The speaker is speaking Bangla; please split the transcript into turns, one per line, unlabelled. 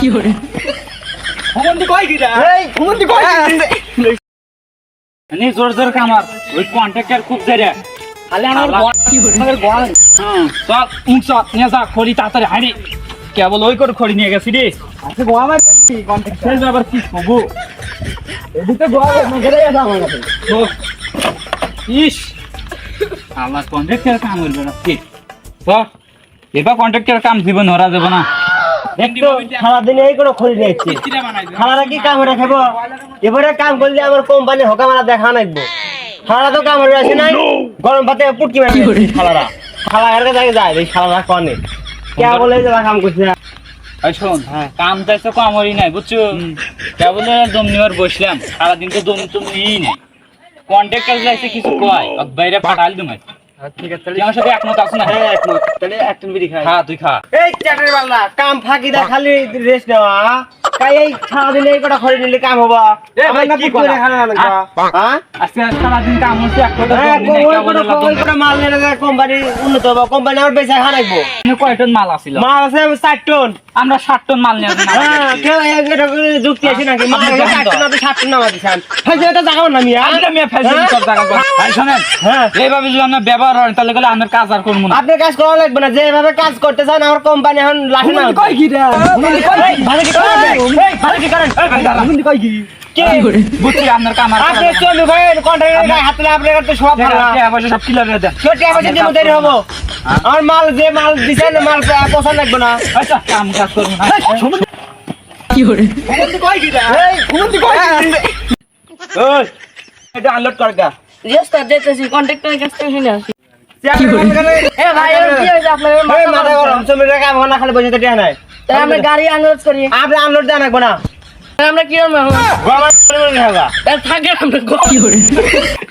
কি করে
ঘুমন্তি কই গিরা এই ঘুমন্তি কই নি জোর জোর কামার ওই কন্ট্রাক্টর খুব জেরে খালি আমার
কি করে
আমাদের গোয়াল চল উংস নিয়ে যা খড়ি তাড়াতাড়ি হাঁড়ি কেবল ওই করে খড়ি নিয়ে গেছি রে আচ্ছা গোয়া মার কন্ট্রাক্টর আবার কি হবো এদিকে গোয়া মেঘেরে গেছে আমার কাছে ইস আমার কন্ট্রাক্টর কাম করবে না কি তো এবার কন্ট্রাক্টর কাম জীবন হরা যাবে না
দেখতো সারাদিন এই করে খড়ি নিয়েছি খালারা কি কাম করে খাবো এবারে কাম করলে আমার কোম্পানি হকামারা দেখা নাকবো খালারা তো কাম করে আসে নাই গরম ভাতে পুটকি মারি খালারা খালার কাছে যায় এই খালারা কনে কে বলে যে কাম করছে
এই শোন কাম চাইছে কামড়ই নাই বুঝছো কেবল দম নিবার বসলাম সারাদিন তো দম তুমি নিই নাই কন্ট্রাক্টর যাইছে কিছু কয় বাইরে পাঠাল তুমি
ঠিক আছে
আমার সাথে একমত আছো না
হ্যাঁ একমত তাহলে একটু বিড়ি খাই
খা তুই খা
এই চ্যাটার বাল্লা কাম ফাঁকি দা খালি রেস্ট নেওয়া কাই এই সারাদিন এই কটা খড়ি নিলে কাম হবা
ভাই, কি
করে
করা?
খানা হ্যাঁ
আজকে সারাদিন কাম হচ্ছে একটা
মাল নিয়ে কোম্পানি উন্নত হবো কোম্পানি আমার বেচা খানাইবো
কয় টন মাল আছিল
মাল আছে 60 টন
আমরা 60 টন মাল নিয়ে আসলাম
হ্যাঁ কেউ এটা যুক্তি আছে নাকি মাল 60 টন আপনি 60 টন নামা দিছেন ফাইজে এটা জায়গা না মিয়া
আমরা মেয়ে ফেলছি সব জায়গা ভাই শুনেন
হ্যাঁ
এইভাবে যদি আমরা ব্যবহার হয় তাহলে গেলে আমরা কাজ আর করবো না
আপনি কাজ করা লাগবে না যেভাবে কাজ করতে চান আমার কোম্পানি এখন লাঠি না
কই কি রে
ভালো কি করেন ভালো কি করেন
কই কি
কে
বুঝছি আপনার কাম আর
আপনি চলু ভাই কন্ট্রাক্টর গায়ে হাত দিলে আপনার তো সব ভালো
সব ক্লিয়ার হয়ে দেন
ছোট আছে যে দেরি হবো আমার মাল যে মাল দিছেন মাল পছন্দ লাগবে না
আচ্ছা কাম কাজ করবো না
কি করে
কই কি এই ঘুমতি কই ওই এটা আনলোড কর গা
রেস্ট দিতেছি কন্ট্রাক্টরের কাছ থেকে শুনে আসি
কি করে
এ ভাই এর কি হইছে আপনার
এই মাথা গরম জমির কাম না খালি বসে থাকে নাই
তাই আমরা গাড়ি আনলোড করি
আপনি আনলোড দেন লাগবে না
তাই আমরা কি করব
গরম হবে
তাই থাকে আমরা
কি করে